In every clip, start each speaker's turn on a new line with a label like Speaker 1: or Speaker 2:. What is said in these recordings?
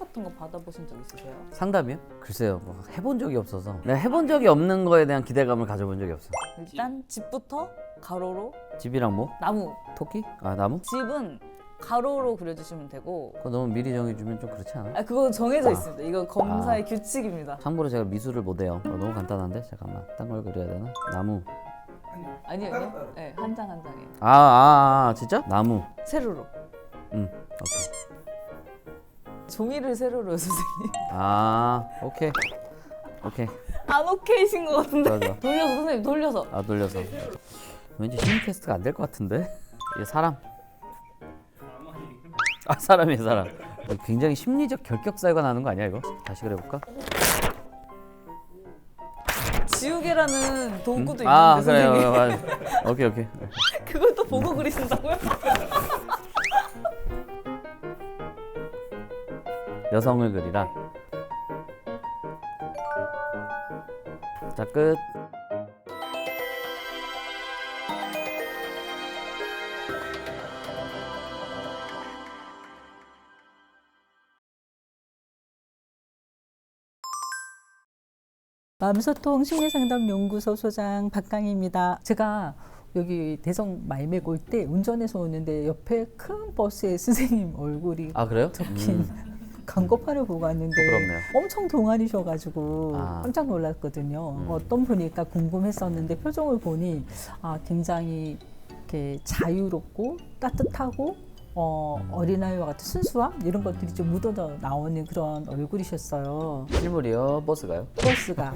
Speaker 1: 같은 거 받아보신 적 있으세요?
Speaker 2: 상담이요? 글쎄요, 뭐 해본 적이 없어서 내가 해본 적이 없는 거에 대한 기대감을 가져본 적이 없어.
Speaker 1: 일단 집부터 가로로
Speaker 2: 집이랑 뭐?
Speaker 1: 나무.
Speaker 2: 토끼? 아 나무?
Speaker 1: 집은 가로로 그려주시면 되고.
Speaker 2: 그거 너무 미리 정해주면 좀 그렇지 않아?
Speaker 1: 그거 정해져 있습니다. 이거 검사의 규칙입니다.
Speaker 2: 참고로 제가 미술을 못해요. 너무 간단한데? 잠깐만, 딴 걸 그려야 되나? 나무.
Speaker 1: 아니요. 네, 한 장 한 장에.
Speaker 2: 진짜? 나무.
Speaker 1: 세로로.
Speaker 2: 오케이.
Speaker 1: 종이를 세로로요, 선생님.
Speaker 2: 오케이. 오케이.
Speaker 1: 안 오케이신 것 같은데.
Speaker 2: 좋아, 좋아.
Speaker 1: 돌려서 선생님 돌려서.
Speaker 2: 돌려서. 왠지 심리 테스트가 안 될 것 같은데? 이게 사람. 사람이에요, 사람. 굉장히 심리적 결격사유가 나는 거 아니야, 이거? 다시 그려볼까?
Speaker 1: 지우개라는 도구도 있는데
Speaker 2: 그래요.
Speaker 1: 선생님.
Speaker 2: 맞아. 오케이.
Speaker 1: 그걸 또 보고 그리신다고요?
Speaker 2: 여성을 그리라. 자, 끝.
Speaker 3: 마음소통 심리상담연구소 소장 박강희입니다. 제가 여기 대성 말매고 올 때 운전해서 오는데 옆에 큰 버스에 선생님 얼굴이
Speaker 2: 그래요?
Speaker 3: 적힌 광고판을 보고 왔는데
Speaker 2: 부끄럽네요.
Speaker 3: 엄청 동안이셔가지고 깜짝 놀랐거든요. 어떤 분일까 궁금했었는데 표정을 보니 굉장히 이렇게 자유롭고 따뜻하고 어린아이와 같은 순수함 이런 것들이 좀 묻어져 나오는 그런 얼굴이셨어요.
Speaker 2: 실물이요? 버스가요?
Speaker 3: 버스가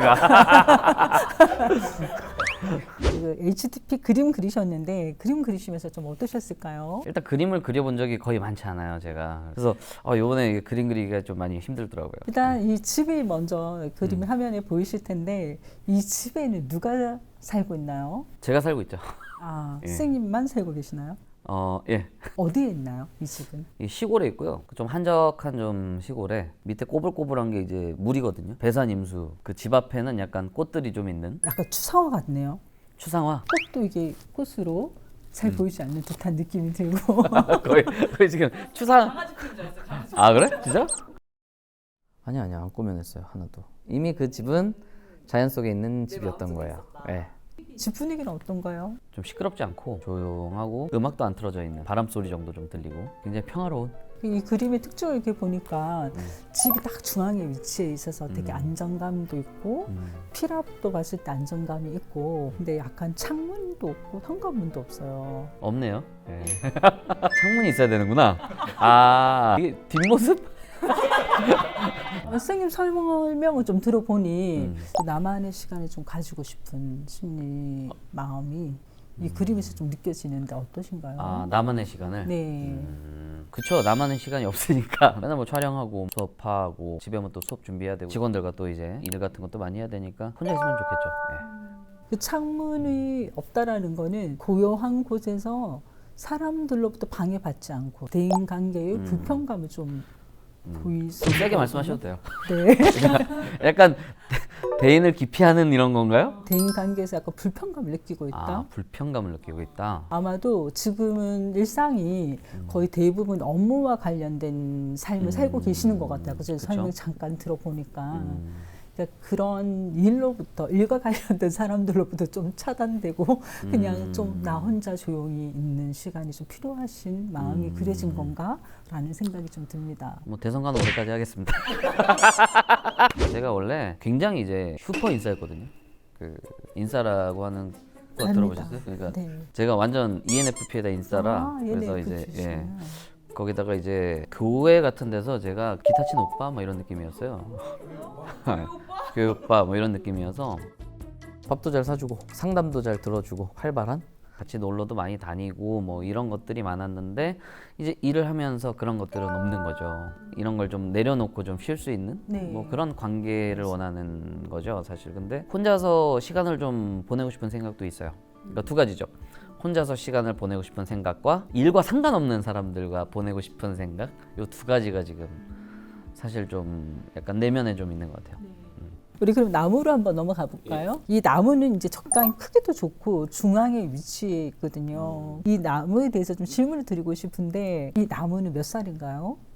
Speaker 3: 그 HTP 그림 그리셨는데 그림 그리시면서 좀 어떠셨을까요?
Speaker 2: 일단 그림을 그려본 적이 거의 많지 않아요, 제가. 그래서 요번에 그림 그리기가 좀 많이 힘들더라고요.
Speaker 3: 일단 이 집이 먼저 그림 화면에 보이실 텐데 이 집에는 누가 살고 있나요?
Speaker 2: 제가 살고 있죠. 예.
Speaker 3: 선생님만 살고 계시나요?
Speaker 2: 예.
Speaker 3: 어디에 있나요, 이 집은?
Speaker 2: 이 시골에 있고요. 좀 한적한 좀 시골에 밑에 꼬불꼬불한 게 이제 물이거든요. 배산임수. 그 집 앞에는 약간 꽃들이 좀 있는
Speaker 3: 약간 추상화 같네요.
Speaker 2: 추상화.
Speaker 3: 꽃도 이게 꽃으로 잘 보이지 않는 듯한 느낌이 들고
Speaker 2: 거의 지금 추상. 그래? 진짜? 아니야 안 꾸며냈어요, 하나도. 이미 그 집은 자연 속에 있는 집이었던 거예요. 예.
Speaker 3: 집 분위기는 어떤가요?
Speaker 2: 좀 시끄럽지 않고 조용하고 음악도 안 틀어져 있는 바람 소리 정도 좀 들리고 굉장히 평화로운.
Speaker 3: 이 그림의 특징을 이렇게 보니까 집이 딱 중앙에 위치해 있어서 되게 안정감도 있고 피랍도 봤을 때 안정감이 있고 근데 약간 창문도 없고 현관문도 없어요.
Speaker 2: 없네요. 예. 창문이 있어야 되는구나. 이게 뒷모습?
Speaker 3: 선생님 설명을 좀 들어보니 나만의 시간을 좀 가지고 싶은 심리 마음이 이 그림에서 좀 느껴지는데 어떠신가요?
Speaker 2: 나만의 시간을?
Speaker 3: 네.
Speaker 2: 그쵸. 나만의 시간이 없으니까 맨날 뭐 촬영하고 수업하고 집에 오면 또 수업 준비해야 되고 직원들과 또 이제 일 같은 것도 많이 해야 되니까 혼자 있으면 좋겠죠. 예.
Speaker 3: 그 창문이 없다라는 거는 고요한 곳에서 사람들로부터 방해받지 않고 대인관계의 불편감을 좀 보일 수
Speaker 2: 좀 세게
Speaker 3: 있거든요.
Speaker 2: 말씀하셔도 돼요.
Speaker 3: 네.
Speaker 2: 약간 대인을 기피하는 이런 건가요?
Speaker 3: 대인관계에서 약간 불편감을 느끼고 있다.
Speaker 2: 불편감을 느끼고 있다.
Speaker 3: 아마도 지금은 일상이 거의 대부분 업무와 관련된 삶을 살고 계시는 것 같아요. 그래서
Speaker 2: 그쵸?
Speaker 3: 설명 잠깐 들어보니까 그러니까 그런 일과 관련된 사람들로부터 좀 차단되고 그냥 좀 나 혼자 조용히 있는 시간이 좀 필요하신 마음이 그려진 건가라는 생각이 좀 듭니다.
Speaker 2: 뭐 대선 가는 올해까지 하겠습니다. 제가 원래 굉장히 이제 슈퍼 인싸였거든요. 그 인싸라고 하는 거 들어보셨어요? 그러니까
Speaker 3: 네.
Speaker 2: 제가 완전 ENFP에다 인싸라 그래서 이제
Speaker 3: ENFP.
Speaker 2: 거기다가 이제 교회 같은 데서 제가 기타 치는 오빠 뭐 이런 느낌이었어요. 교회 오빠 뭐 이런 느낌이어서 밥도 잘 사주고 상담도 잘 들어주고 활발한, 같이 놀러도 많이 다니고 뭐 이런 것들이 많았는데 이제 일을 하면서 그런 것들은 없는 거죠. 이런 걸 좀 내려놓고 좀 쉴 수 있는 뭐 그런 관계를 원하는 거죠, 사실. 근데 혼자서 시간을 좀 보내고 싶은 생각도 있어요. 그러니까 두 가지죠. 혼자서 시간을 보내고 싶은 생각과 일과 상관없는 사람들과 보내고 싶은 생각, 이 두 가지가 지금 사실 좀 약간 내면에 좀 있는 것 같아요.
Speaker 3: 우리 그럼 나무로 한번 넘어가 볼까요? 이 나무는 이제 적당히 크기도 좋고 중앙에 위치해 있거든요. 이 나무에 대해서 좀 질문을 드리고 싶은데 이 나무는 몇 살인가요?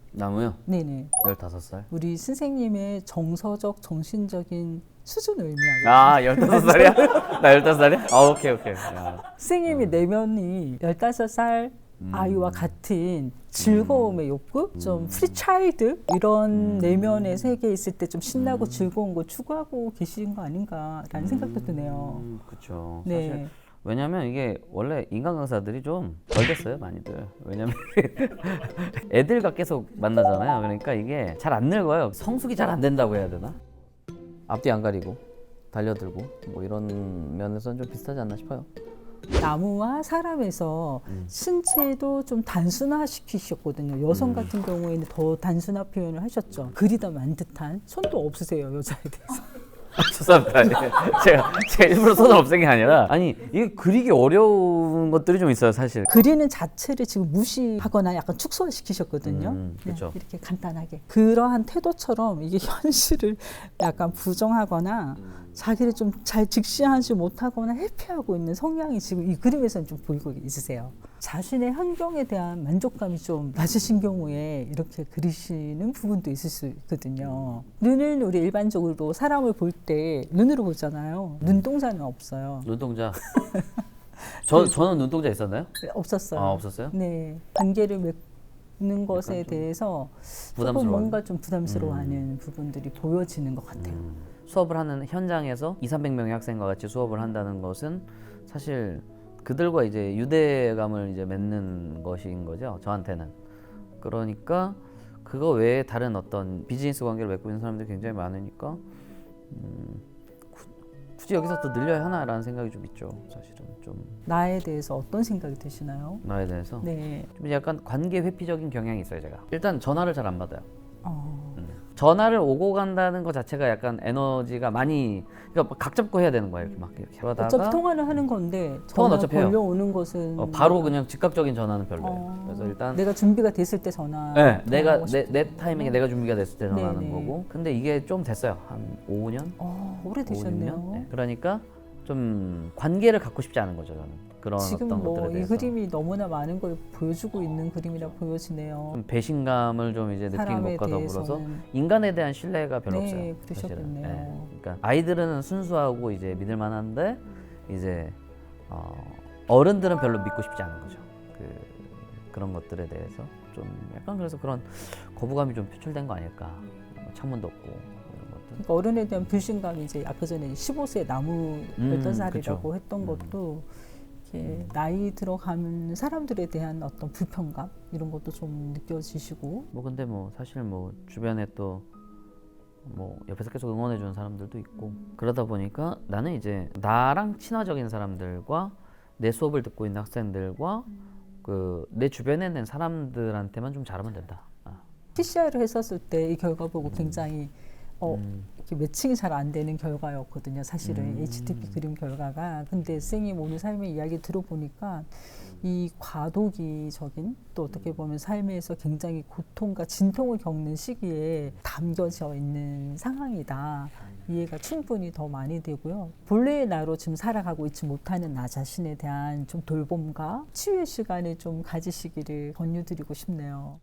Speaker 2: 나무요?
Speaker 3: 네네.
Speaker 2: 15살.
Speaker 3: 우리 선생님의 정서적, 정신적인 수준을 의미하고
Speaker 2: 아 15살이야? 나 15살이야? 아 오케이 야.
Speaker 3: 선생님의 내면이 15살 아이와 같은 즐거움의 욕구, 좀 프리차일드 이런 내면의 세계에 있을 때 좀 신나고 즐거운 거 추구하고 계신 거 아닌가라는 생각도 드네요.
Speaker 2: 그렇죠.
Speaker 3: 네.
Speaker 2: 사실 왜냐면 이게 원래 인간 강사들이 좀 덜 됐어요 많이들. 왜냐면 애들과 계속 만나잖아요. 그러니까 이게 잘 안 늙어요. 성숙이 잘 안 된다고 해야 되나? 앞뒤 안 가리고 달려들고 뭐 이런 면에서는 좀 비슷하지 않나 싶어요.
Speaker 3: 나무와 사람에서 신체도 좀 단순화시키셨거든요. 여성 같은 경우에는 더 단순화 표현을 하셨죠. 그리다 만 듯한 손도 없으세요, 여자에 대해서.
Speaker 2: 죄송합니다. 예. 제가 일부러 손을 없앤 게 아니라 아니 이게 그리기 어려운 것들이 좀 있어요 사실.
Speaker 3: 그리는 자체를 지금 무시하거나 약간 축소시키셨거든요.
Speaker 2: 그렇죠.
Speaker 3: 이렇게 간단하게 그러한 태도처럼 이게 현실을 약간 부정하거나 자기를 좀 잘 직시하지 못하거나 회피하고 있는 성향이 지금 이 그림에서는 좀 보이고 있으세요. 자신의 환경에 대한 만족감이 좀 낮으신 경우에 이렇게 그리시는 부분도 있을 수 있거든요. 눈은 우리 일반적으로 사람을 볼 때 눈으로 보잖아요. 눈동자는 없어요.
Speaker 2: 눈동자. 저는 눈동자 있었나요?
Speaker 3: 없었어요.
Speaker 2: 아 없었어요?
Speaker 3: 네, 관계를 맺는 것에 대해서 조금
Speaker 2: 부담스러워요?
Speaker 3: 뭔가 좀 부담스러워하는 부분들이 보여지는 것 같아요.
Speaker 2: 수업을 하는 현장에서 200~300명의 학생과 같이 수업을 한다는 것은 사실 그들과 이제 유대감을 이제 맺는 것인 거죠. 저한테는. 그러니까 그거 외에 다른 어떤 비즈니스 관계를 맺고 있는 사람들이 굉장히 많으니까 굳이 여기서 또 늘려야 하나라는 생각이 좀 있죠. 사실은 좀
Speaker 3: 나에 대해서 어떤 생각이 드시나요?
Speaker 2: 나에 대해서
Speaker 3: 네.
Speaker 2: 좀 약간 관계 회피적인 경향이 있어요. 제가 일단 전화를 잘 안 받아요.
Speaker 3: 어,
Speaker 2: 전화를 오고 간다는 것 자체가 약간 에너지가 많이 그러니까 각 잡고 해야 되는 거예요. 이렇게 막 이렇게 그러다가
Speaker 3: 어차피 통화를 하는 건데
Speaker 2: 통화는
Speaker 3: 전화
Speaker 2: 어차피 해요.
Speaker 3: 걸려오는 것은
Speaker 2: 바로 그냥 즉각적인 전화는 별로예요. 그래서 일단
Speaker 3: 내가 준비가 됐을 때 전화.
Speaker 2: 네, 내가
Speaker 3: 통화하고
Speaker 2: 내 타이밍에 내가 준비가 됐을 때 전화하는
Speaker 3: 네네.
Speaker 2: 거고. 근데 이게 좀 됐어요. 한 5년?
Speaker 3: 오래되셨네요.
Speaker 2: 5, 6년? 네. 그러니까 좀 관계를 갖고 싶지 않은 거죠, 저는. 그런
Speaker 3: 지금
Speaker 2: 어떤
Speaker 3: 뭐
Speaker 2: 것들에
Speaker 3: 이
Speaker 2: 대해서.
Speaker 3: 그림이 너무나 많은 걸 보여주고 있는 그림이라 보여지네요.
Speaker 2: 좀 배신감을 좀 이제 느낀
Speaker 3: 사람에
Speaker 2: 것과 더불어서
Speaker 3: 대해서는.
Speaker 2: 인간에 대한 신뢰가 별로
Speaker 3: 네,
Speaker 2: 없어요.
Speaker 3: 그러셨겠네요.
Speaker 2: 사실은. 그러니까 아이들은 순수하고 이제 믿을 만한데 이제 어른들은 별로 믿고 싶지 않은 거죠. 그런 것들에 대해서 좀 약간 그래서 그런 거부감이 좀 표출된 거 아닐까. 창문도 없고 이런 것들.
Speaker 3: 그러니까 어른에 대한 불신감이 이제 아까 전에 15세 나무 15살이라고
Speaker 2: 그쵸.
Speaker 3: 했던 것도 이렇게 나이 들어가면 사람들에 대한 어떤 불편감 이런 것도 좀 느껴지시고.
Speaker 2: 뭐 근데 뭐 사실 뭐 주변에 또 뭐 옆에서 계속 응원해 주는 사람들도 있고 그러다 보니까 나는 이제 나랑 친화적인 사람들과 내 수업을 듣고 있는 학생들과 내 주변에 있는 사람들한테만 좀 잘하면 된다.
Speaker 3: TCR을 했었을 때 이 결과 보고 굉장히 이렇게 매칭이 잘 안 되는 결과였거든요. 사실은 HTP 그림 결과가. 근데 선생님 오늘 삶의 이야기 들어보니까 이 과도기적인 또 어떻게 보면 삶에서 굉장히 고통과 진통을 겪는 시기에 담겨져 있는 상황이다. 이해가 충분히 더 많이 되고요. 본래의 나로 지금 살아가고 있지 못하는 나 자신에 대한 좀 돌봄과 치유의 시간을 좀 가지시기를 권유드리고 싶네요.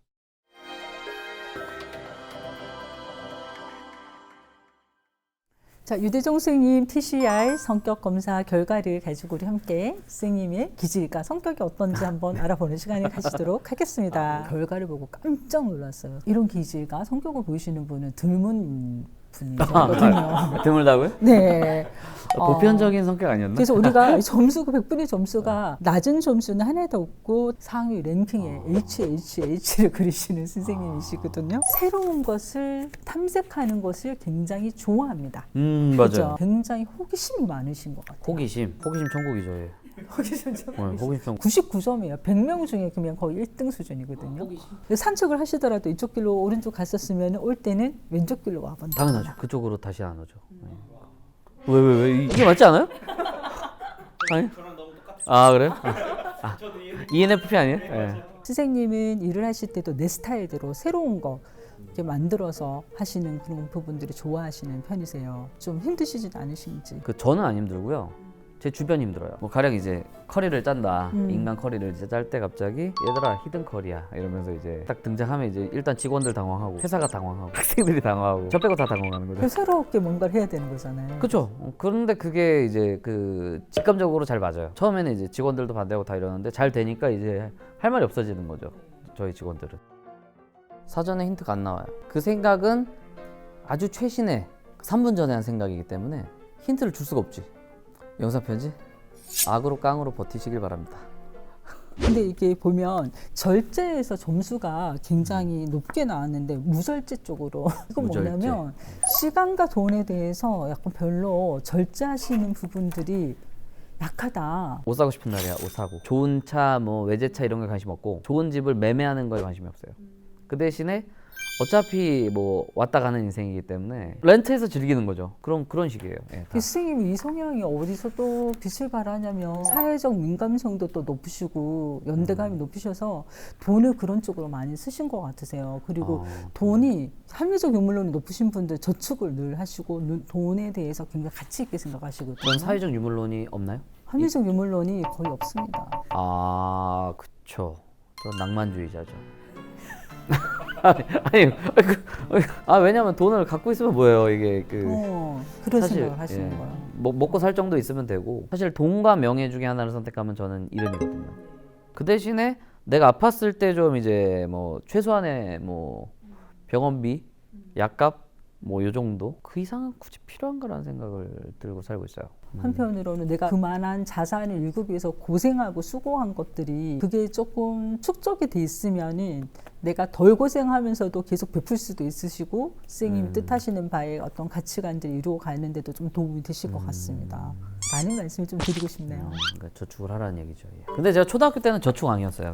Speaker 3: 자, 유대종 스님 TCR 성격 검사 결과를 가지고 우리 함께 스님의 기질과 성격이 어떤지 한번 알아보는 시간을 가지도록 하겠습니다. 결과를 보고 깜짝 놀랐어요. 이런 기질과 성격을 보이시는 분은 드문 분이거든요.
Speaker 2: 드물다고요?
Speaker 3: 네.
Speaker 2: 보편적인 성격 아니었나?
Speaker 3: 그래서 우리가 점수가 100분의 점수가 낮은 점수는 하나도 없고 상위 랭킹에 HHH를 그리시는 선생님이시거든요. 새로운 것을 탐색하는 것을 굉장히 좋아합니다.
Speaker 2: 맞아요.
Speaker 3: 그렇죠? 굉장히 호기심이 많으신 것 같아요.
Speaker 2: 호기심 천국이죠. 예.
Speaker 3: 호기심
Speaker 2: 호기심 천국.
Speaker 3: 99점이에요. 100명 중에 그냥 거의 1등 수준이거든요. 산책을 하시더라도 이쪽 길로 오른쪽 갔었으면 올 때는 왼쪽 길로 와본다.
Speaker 2: 당연하죠. 그쪽으로 다시 안 오죠. 왜 이게 맞지 않아요? 아니? 아 그래요? ENFP 아니에요? 네.
Speaker 3: 선생님은 일을 하실 때도 내 스타일대로 새로운 거 이렇게 만들어서 하시는 그런 부분들을 좋아하시는 편이세요. 좀 힘드시진 않으신지.
Speaker 2: 저는 안 힘들고요. 제 주변이 힘들어요. 뭐 가령 이제 커리를 짠다.
Speaker 3: 음.
Speaker 2: 인간 커리를 이제 짤 때 갑자기 얘들아 히든 커리야 이러면서 이제 딱 등장하면 이제 일단 직원들 당황하고 회사가 당황하고 학생들이 당황하고 저 빼고 다 당황하는 거죠.
Speaker 3: 새롭게 뭔가를 해야 되는 거잖아요.
Speaker 2: 그렇죠. 그런데 그게 이제 그 직감적으로 잘 맞아요. 처음에는 이제 직원들도 반대하고 다 이러는데 잘 되니까 이제 할 말이 없어지는 거죠. 저희 직원들은. 사전에 힌트가 안 나와요. 그 생각은 아주 최신의 3분 전에 한 생각이기 때문에 힌트를 줄 수가 없지. 영상 편지? 악으로 깡으로 버티시길 바랍니다.
Speaker 3: 근데 이게 보면 절제에서 점수가 굉장히 높게 나왔는데 무절제 쪽으로 이건
Speaker 2: 무절제.
Speaker 3: 뭐냐면 시간과 돈에 대해서 약간 별로 절제하시는 부분들이 약하다.
Speaker 2: 옷 사고 싶은 날이야. 옷 사고. 좋은 차, 뭐 외제차 이런 거에 관심 없고 좋은 집을 매매하는 거에 관심이 없어요. 그 대신에 어차피 뭐 왔다 가는 인생이기 때문에 렌트해서 즐기는 거죠. 그런 식이에요. 예, 다.
Speaker 3: 교수님 이 성향이 어디서 또 빛을 발하냐면 사회적 민감성도 또 높으시고 연대감이 높으셔서 돈을 그런 쪽으로 많이 쓰신 것 같으세요. 그리고 돈이 합리적 유물론이 높으신 분들 저축을 늘 하시고 돈에 대해서 굉장히 가치 있게 생각하시거든요.
Speaker 2: 그런 사회적 유물론이 없나요?
Speaker 3: 합리적 유물론이 거의 없습니다.
Speaker 2: 아, 그쵸. 저 낭만주의자죠. 왜냐면 돈을 갖고 있으면 뭐예요, 이게
Speaker 3: 그런
Speaker 2: 사실,
Speaker 3: 생각을 하시는
Speaker 2: 예,
Speaker 3: 거예요.
Speaker 2: 먹고 살 정도 있으면 되고 사실 돈과 명예 중에 하나를 선택하면 저는 이름이거든요. 그 대신에 내가 아팠을 때 좀 이제 뭐 최소한의 뭐 병원비, 약값 뭐 요 정도 그 이상은 굳이 필요한가라는 생각을 들고 살고 있어요.
Speaker 3: 한편으로는 내가 그만한 자산을 일구기 위해서 고생하고 수고한 것들이 그게 조금 축적이 돼 있으면은 내가 덜 고생하면서도 계속 베풀 수도 있으시고 선생님이 뜻하시는 바에 어떤 가치관들을 이루어 가는데도 좀 도움이 되실 것 같습니다. 라는 말씀을 좀 드리고 싶네요.
Speaker 2: 그러니까 저축을 하라는 얘기죠. 예. 근데 제가 초등학교 때는 저축왕이었어요.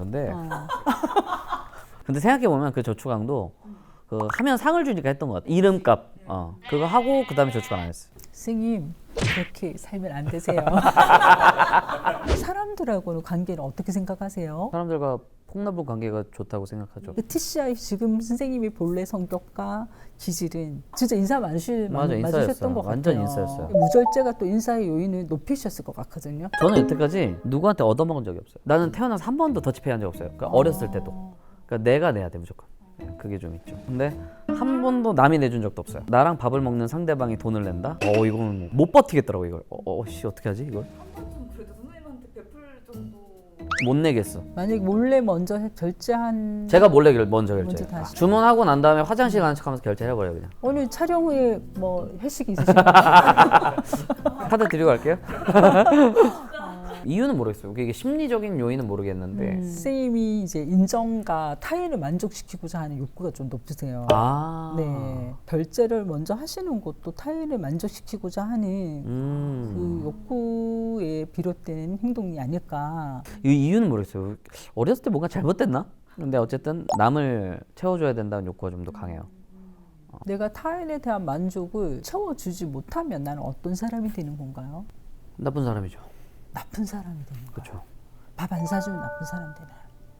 Speaker 2: 근데 생각해 보면 그 저축왕도 그 하면 상을 주니까 했던 것 같아요. 이름값 그거 하고 그 다음에 저축 안 했어요.
Speaker 3: 선생님 그렇게 살면 안 되세요. 사람들하고는 관계를 어떻게 생각하세요?
Speaker 2: 사람들과 폭넓은 관계가 좋다고 생각하죠.
Speaker 3: 그 TCI 지금 선생님이 본래 성격과 기질은 진짜 인사
Speaker 2: 맞아,
Speaker 3: 맞으셨던
Speaker 2: 인싸였어.
Speaker 3: 것
Speaker 2: 완전
Speaker 3: 같아요.
Speaker 2: 인싸였어요.
Speaker 3: 무절제가 또 인사의 요인을 높이셨을 것 같거든요.
Speaker 2: 저는 여태까지 누구한테 얻어먹은 적이 없어요. 나는 태어나서 한 번도 더치페이 한 적 없어요. 그러니까 어렸을 때도. 그러니까 내가 내야 돼 무조건. 그게 좀 있죠. 근데 한 번도 남이 내준 적도 없어요. 나랑 밥을 먹는 상대방이 돈을 낸다? 이거는 못 버티겠더라고 이걸. 씨 어떻게 하지 이걸?
Speaker 1: 그래도 선생님한테 베풀 정도.
Speaker 2: 못 내겠어.
Speaker 3: 만약에 몰래 먼저 결제한
Speaker 2: 제가 몰래 먼저
Speaker 3: 먼저
Speaker 2: 결제.
Speaker 3: 다
Speaker 2: 주문하고 난 다음에 화장실 가는 척하면서 결제해버려요 그냥.
Speaker 3: 오늘 촬영 후에 뭐 회식 있으신가요?
Speaker 2: 카드 드리고 갈게요. 이유는 모르겠어요. 이게 심리적인 요인은 모르겠는데.
Speaker 3: 선생님이 이제 인정과 타인을 만족시키고자 하는 욕구가 좀 높으세요. 네, 결제를 먼저 하시는 것도 타인을 만족시키고자 하는 그 욕구에 비롯된 행동이 아닐까.
Speaker 2: 이 이유는 모르겠어요. 어렸을 때 뭔가 잘못됐나? 근데 어쨌든 남을 채워줘야 된다는 욕구가 좀 더 강해요.
Speaker 3: 내가 타인에 대한 만족을 채워주지 못하면 나는 어떤 사람이 되는 건가요?
Speaker 2: 나쁜 사람이죠.
Speaker 3: 나쁜 사람이 되는 거예요.
Speaker 2: 그렇죠.
Speaker 3: 밥 안 사주면 나쁜 사람 되나요?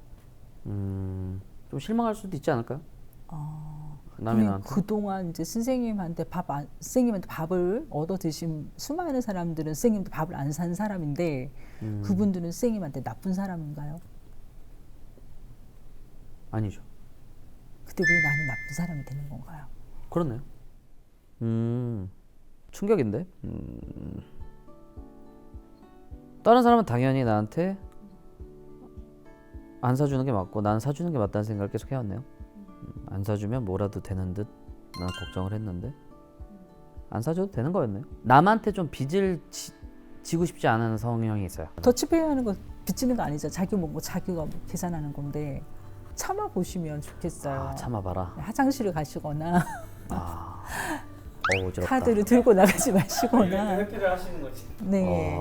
Speaker 2: 좀 실망할 수도 있지 않을까요? 남이 나한테.
Speaker 3: 그동안 이제 선생님한테 선생님한테 밥을 얻어 드신 수많은 사람들은 선생님도 밥을 안 산 사람인데 그분들은 선생님한테 나쁜 사람인가요?
Speaker 2: 아니죠.
Speaker 3: 그때 왜 나는 나쁜 사람이 되는 건가요?
Speaker 2: 그렇네요. 충격인데. 다른 사람은 당연히 나한테 안 사주는 게 맞고 나는 사주는 게 맞다는 생각을 계속 해왔네요. 안 사주면 뭐라도 되는 듯 나는 걱정을 했는데 안 사줘도 되는 거였네요. 남한테 좀 빚을 지고 싶지 않은 성향이 있어요.
Speaker 3: 더치페이 하는 거 빚지는 거 아니죠. 자기 뭐 자기가 뭐 계산하는 건데 참아 보시면 좋겠어요.
Speaker 2: 참아봐라.
Speaker 3: 화장실을 가시거나
Speaker 2: 어지럽다.
Speaker 3: 카드를 들고 나가지 마시거나.
Speaker 4: 회피를 하시는 거지.
Speaker 3: 네.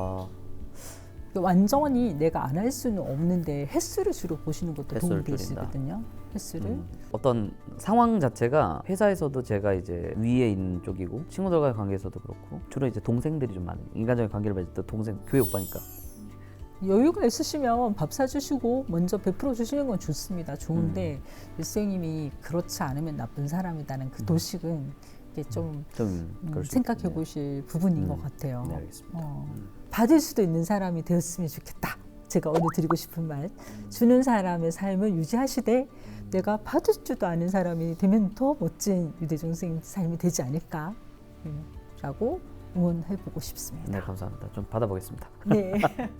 Speaker 3: 완전히 내가 안 할 수는 없는데 횟수를 주로 보시는 것도 도움이
Speaker 2: 횟수를 줄인다.
Speaker 3: 되시거든요. 횟수를.
Speaker 2: 어떤 상황 자체가 회사에서도 제가 이제 위에 있는 쪽이고 친구들과의 관계에서도 그렇고 주로 이제 동생들이 좀 많은 인간적인 관계를 맺을 때 동생 교회 오빠니까
Speaker 3: 여유가 있으시면 밥 사주시고 먼저 베풀어 주시는 건 좋습니다. 좋은데 선생님이 그렇지 않으면 나쁜 사람이라는 그 도식은 이게 좀
Speaker 2: 그럴 수
Speaker 3: 생각해
Speaker 2: 있겠네요.
Speaker 3: 보실 부분인 것 같아요.
Speaker 2: 네, 알겠습니다.
Speaker 3: 받을 수도 있는 사람이 되었으면 좋겠다. 제가 오늘 드리고 싶은 말, 주는 사람의 삶을 유지하시되 내가 받을 줄도 아는 사람이 되면 더 멋진 유대종 선생님 삶이 되지 않을까 라고 응원해보고 싶습니다.
Speaker 2: 네, 감사합니다. 좀 받아보겠습니다.
Speaker 3: 네.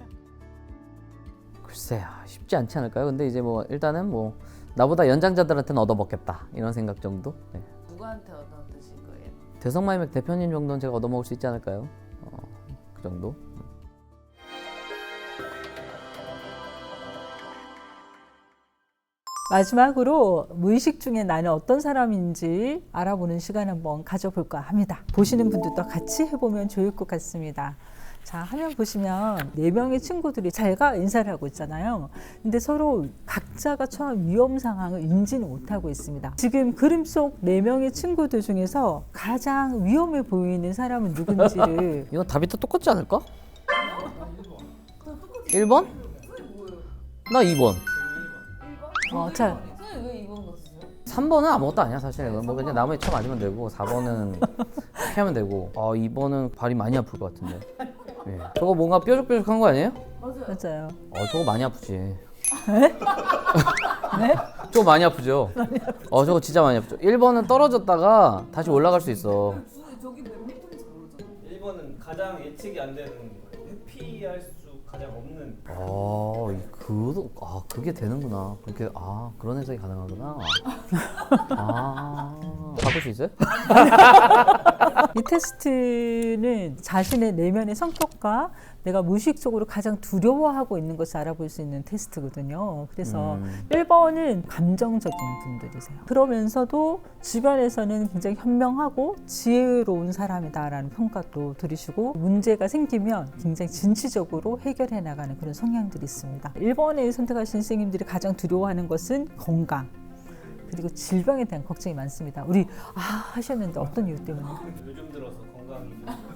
Speaker 2: 글쎄, 쉽지 않지 않을까요? 근데 이제 뭐 일단은 뭐 나보다 연장자들한테는 얻어먹겠다 이런 생각 정도. 네.
Speaker 1: 누구한테 얻어드실 거예요?
Speaker 2: 대성마이맥 대표님 정도는 제가 얻어먹을 수 있지 않을까요? 그 정도.
Speaker 3: 마지막으로 무의식 중에 나는 어떤 사람인지 알아보는 시간 한번 가져볼까 합니다. 보시는 분들도 같이 해보면 좋을 것 같습니다. 자, 화면 보시면 4명의 친구들이 잘가 인사를 하고 있잖아요. 근데 서로 각자가 처한 위험 상황을 인지는 못하고 있습니다. 지금 그림 속 4명의 친구들 중에서 가장 위험해 보이는 사람은 누군지를
Speaker 2: 이건 답이 다 똑같지 않을까? 1번? 나 2번.
Speaker 3: 자,
Speaker 1: 선생님 왜 2번 넣었어요?
Speaker 2: 3번은 아무것도 아니야 사실. 뭐 그냥 나무에 쳐 맞으면 되고 4번은 피하면 되고 2번은 발이 많이 아플 것 같은데. 예. 저거 뭔가 뾰족뾰족한 거 아니에요?
Speaker 3: 맞아요.
Speaker 2: 저거 많이 아프지.
Speaker 3: 네?
Speaker 2: 저거 많이 아프죠? 저거 진짜 많이 아프죠. 1번은 떨어졌다가 다시 올라갈 수 있어.
Speaker 1: 저기 몇 미터인지 모르잖아.
Speaker 4: 1번은 가장 예측이 안 되는 거예요. 회피할 수 가장 없는.
Speaker 2: 그게 되는구나. 그렇게 그런 해석이 가능하구나. 바꿀 수 있어요?
Speaker 3: 이 테스트는 자신의 내면의 성격과 내가 무의식적으로 가장 두려워하고 있는 것을 알아볼 수 있는 테스트거든요. 그래서 1번은 감정적인 분들이세요. 그러면서도 주변에서는 굉장히 현명하고 지혜로운 사람이다라는 평가도 들으시고 문제가 생기면 굉장히 진취적으로 해결해 나가는 그런 성향들이 있습니다. 1번에 선택하신 선생님들이 가장 두려워하는 것은 건강 그리고 질병에 대한 걱정이 많습니다. 우리 하셨는데 어떤 이유 때문에?
Speaker 4: 요즘 들어서 건강이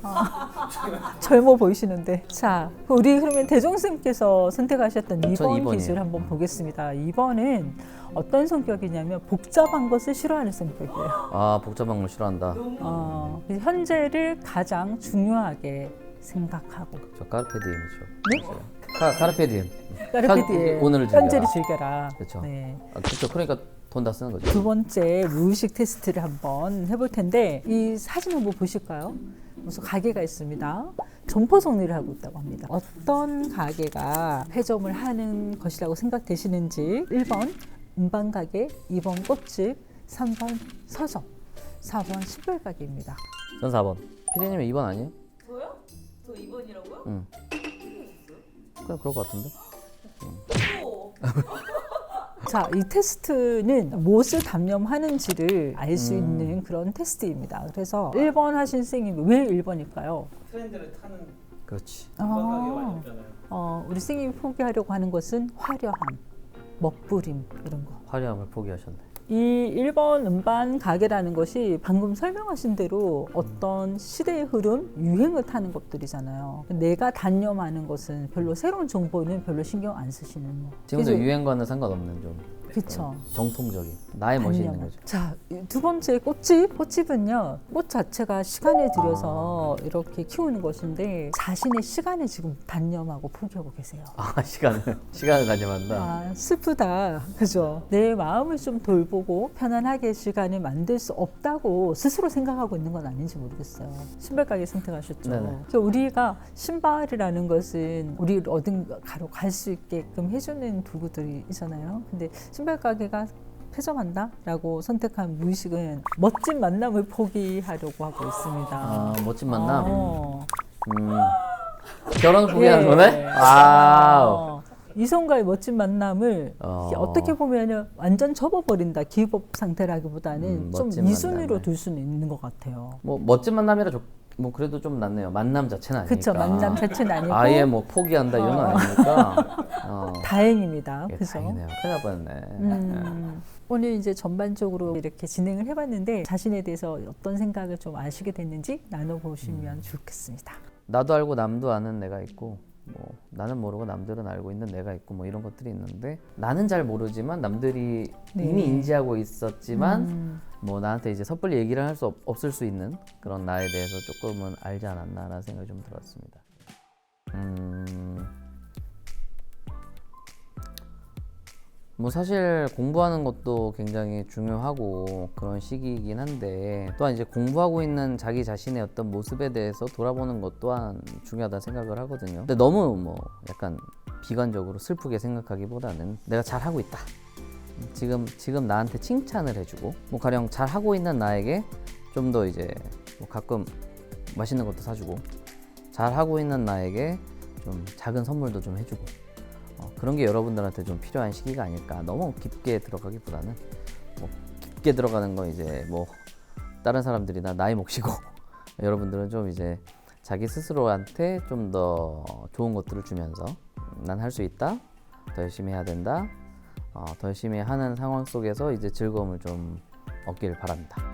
Speaker 3: 젊어 보이시는데. 자, 우리 그러면 대종쌤께서 선택하셨던
Speaker 2: 전
Speaker 3: 2번
Speaker 2: 2번이에요.
Speaker 3: 기술 한번 보겠습니다. 2번은 어떤 성격이냐면 복잡한 것을 싫어하는 성격이에요.
Speaker 2: 복잡한 걸 싫어한다.
Speaker 3: 현재를 가장 중요하게 생각하고.
Speaker 2: 저 까르페디엠이죠.
Speaker 3: 네?
Speaker 2: 카르페디엠.
Speaker 3: 까르페디에
Speaker 2: 오늘을 즐겨라.
Speaker 3: 현재를 즐겨라.
Speaker 2: 그렇죠.
Speaker 3: 네.
Speaker 2: 그렇죠. 그러니까 돈 다 쓰는 거죠.
Speaker 3: 두 번째 무의식 테스트를 한번 해볼 텐데 이 사진 한번 보실까요? 무슨 가게가 있습니다. 점포 정리를 하고 있다고 합니다. 어떤 가게가 폐점을 하는 것이라고 생각되시는지 1번 음반 가게, 2번 꽃집, 3번 서점, 4번 신발 가게입니다.
Speaker 2: 전 4번. 피디님이 2번 아니에요?
Speaker 1: 저요? 저 2번이라고요?
Speaker 2: 응. 그냥 그럴 것 같은데.
Speaker 3: 자, 이 테스트는 무엇을 담념하는지를 알 수 있는 그런 테스트입니다. 그래서 1번 하신 선생님이 왜 1번일까요?
Speaker 4: 트렌드를 타는
Speaker 2: 그렇지.
Speaker 4: 건강하게 많이 없잖아요.
Speaker 3: 우리 선생님이 포기하려고 하는 것은 화려함, 멋부림 이런 거.
Speaker 2: 화려함을 포기하셨네.
Speaker 3: 이 1번 음반 가게라는 것이 방금 설명하신 대로 어떤 시대의 흐름, 유행을 타는 것들이잖아요. 내가 단념하는 것은 별로 새로운 정보는 별로 신경 안 쓰시는 거.
Speaker 2: 지금도
Speaker 3: 그래서-
Speaker 2: 유행과는 상관없는 좀
Speaker 3: 그렇죠.
Speaker 2: 정통적인 나의 멋이 있는
Speaker 3: 단념.
Speaker 2: 거죠.
Speaker 3: 자, 두 번째 꽃집. 꽃집은요, 꽃 자체가 시간을 들여서 이렇게 키우는 것인데 자신의 시간을 지금 단념하고 포기하고 계세요.
Speaker 2: 시간을 단념한다.
Speaker 3: 슬프다. 그죠? 내 마음을 좀 돌보고 편안하게 시간을 만들 수 없다고 스스로 생각하고 있는 건 아닌지 모르겠어요. 신발 가게 선택하셨죠.
Speaker 2: 네네.
Speaker 3: 그러니까 우리가 신발이라는 것은 우리를 어딘가로 갈 수 있게끔 해주는 도구들이잖아요. 근데 신발 가게가 폐점한다라고 선택한 무의식은 멋진 만남을 포기하려고 하고 있습니다.
Speaker 2: 멋진 만남.
Speaker 3: 어.
Speaker 2: 결혼을 포기하는
Speaker 3: 예.
Speaker 2: 거네?
Speaker 3: 이성과의 멋진 만남을
Speaker 2: 어.
Speaker 3: 어떻게 보면 완전 접어버린다. 기법 상태라기보다는 좀
Speaker 2: 멋진
Speaker 3: 이순위로
Speaker 2: 만남을.
Speaker 3: 둘 수는 있는 것 같아요.
Speaker 2: 뭐 멋진 만남이라 뭐 그래도 좀 낫네요. 만남 자체는 아니니까.
Speaker 3: 그렇죠. 만남 자체는 아니고
Speaker 2: 아예 뭐 포기한다 이런 건 아니니까.
Speaker 3: 다행입니다.
Speaker 2: 예,
Speaker 3: 그죠?
Speaker 2: 다행이네요. 큰일 날 뻔했네.
Speaker 3: 오늘 이제 전반적으로 이렇게 진행을 해봤는데 자신에 대해서 어떤 생각을 좀 아시게 됐는지 나눠보시면 좋겠습니다.
Speaker 2: 나도 알고 남도 아는 내가 있고 뭐 나는 모르고 남들은 알고 있는 내가 있고 뭐 이런 것들이 있는데 나는 잘 모르지만 남들이
Speaker 3: 네.
Speaker 2: 이미 인지하고 있었지만 뭐 나한테 이제 섣불리 얘기를 할 수 없을 수 있는 그런 나에 대해서 조금은 알지 않았나라는 생각이 좀 들었습니다. 뭐 사실 공부하는 것도 굉장히 중요하고 그런 시기이긴 한데 또한 이제 공부하고 있는 자기 자신의 어떤 모습에 대해서 돌아보는 것 또한 중요하다 생각을 하거든요. 근데 너무 뭐 약간 비관적으로 슬프게 생각하기보다는 내가 잘하고 있다. 지금 나한테 칭찬을 해주고 뭐 가령 잘하고 있는 나에게 좀 더 이제 뭐 가끔 맛있는 것도 사주고 잘하고 있는 나에게 좀 작은 선물도 좀 해주고 그런 게 여러분들한테 좀 필요한 시기가 아닐까. 너무 깊게 들어가기보다는 뭐 깊게 들어가는 건 이제 뭐 다른 사람들이나 나이 몫이고 여러분들은 좀 이제 자기 스스로한테 좀 더 좋은 것들을 주면서 난 할 수 있다, 더 열심히 해야 된다, 더 열심히 하는 상황 속에서 이제 즐거움을 좀 얻길 바랍니다.